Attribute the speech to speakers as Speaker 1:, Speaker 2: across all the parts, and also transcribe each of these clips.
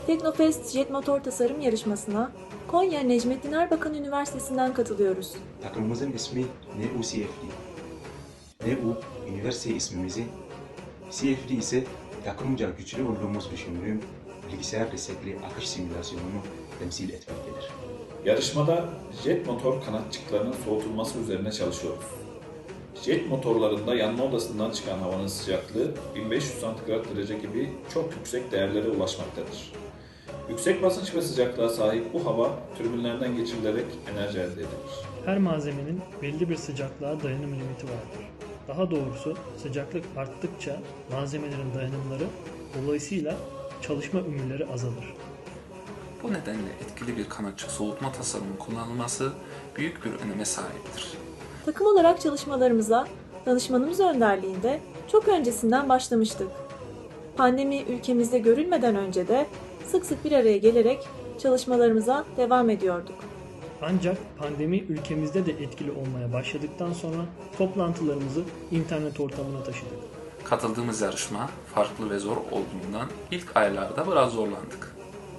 Speaker 1: Teknofest Jet Motor Tasarım Yarışması'na Konya Necmettin Erbakan Üniversitesi'nden katılıyoruz.
Speaker 2: Takımımızın ismi NUCFD. NU, üniversite ismimizi, CFD ise takımca güçlü olduğumuz düşündüğüm bilgisayar destekli akış simülasyonunu temsil etmektedir.
Speaker 3: Yarışmada jet motor kanatçıklarının soğutulması üzerine çalışıyoruz. Jet motorlarında yanma odasından çıkan havanın sıcaklığı 1500 santigrat derece gibi çok yüksek değerlere ulaşmaktadır. Yüksek basınç ve sıcaklığa sahip bu hava türbinlerden geçirilerek enerji elde edilir.
Speaker 4: Her malzemenin belli bir sıcaklığa dayanım limiti vardır. Daha doğrusu sıcaklık arttıkça malzemelerin dayanımları, dolayısıyla çalışma ömürleri azalır.
Speaker 5: Bu nedenle etkili bir kanatçık soğutma tasarımının kullanılması büyük bir öneme sahiptir.
Speaker 1: Takım olarak çalışmalarımıza danışmanımız önderliğinde çok öncesinden başlamıştık. Pandemi ülkemizde görülmeden önce de sık sık bir araya gelerek çalışmalarımıza devam ediyorduk.
Speaker 4: Ancak pandemi ülkemizde de etkili olmaya başladıktan sonra toplantılarımızı internet ortamına taşıdık.
Speaker 5: Katıldığımız yarışma farklı ve zor olduğundan ilk aylarda biraz zorlandık.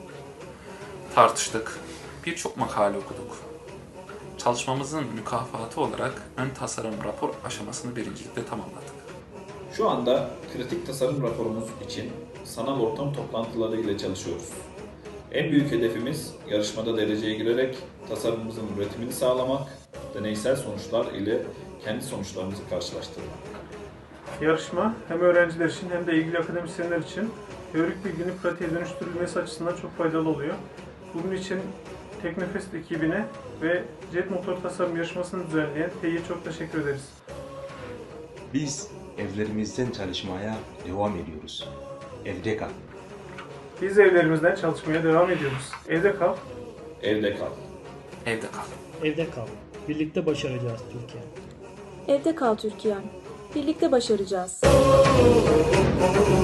Speaker 5: Tartıştık, birçok makale okuduk. Çalışmamızın mükafatı olarak ön tasarım rapor aşamasını birincilikle tamamladık.
Speaker 3: Şu anda kritik tasarım raporumuz için sanal ortam toplantıları ile çalışıyoruz. En büyük hedefimiz yarışmada dereceye girerek tasarımımızın üretimini sağlamak, deneysel sonuçlar ile kendi sonuçlarımızı karşılaştırmak.
Speaker 6: Yarışma hem öğrenciler için hem de ilgili akademisyenler için teorik bilginin pratiğe dönüştürülmesi açısından çok faydalı oluyor. Bunun için Teknofest ekibine ve Jet Motor Tasarım Yarışması'nı düzenleyen TEİ'ye çok teşekkür ederiz.
Speaker 2: Biz evlerimizden çalışmaya devam ediyoruz. Evde kal.
Speaker 6: Biz evlerimizden çalışmaya devam ediyoruz. Evde kal.
Speaker 3: Evde kal.
Speaker 5: Evde kal.
Speaker 4: Evde kal. Birlikte başaracağız Türkiye.
Speaker 1: Evde kal Türkiye'm. Birlikte başaracağız.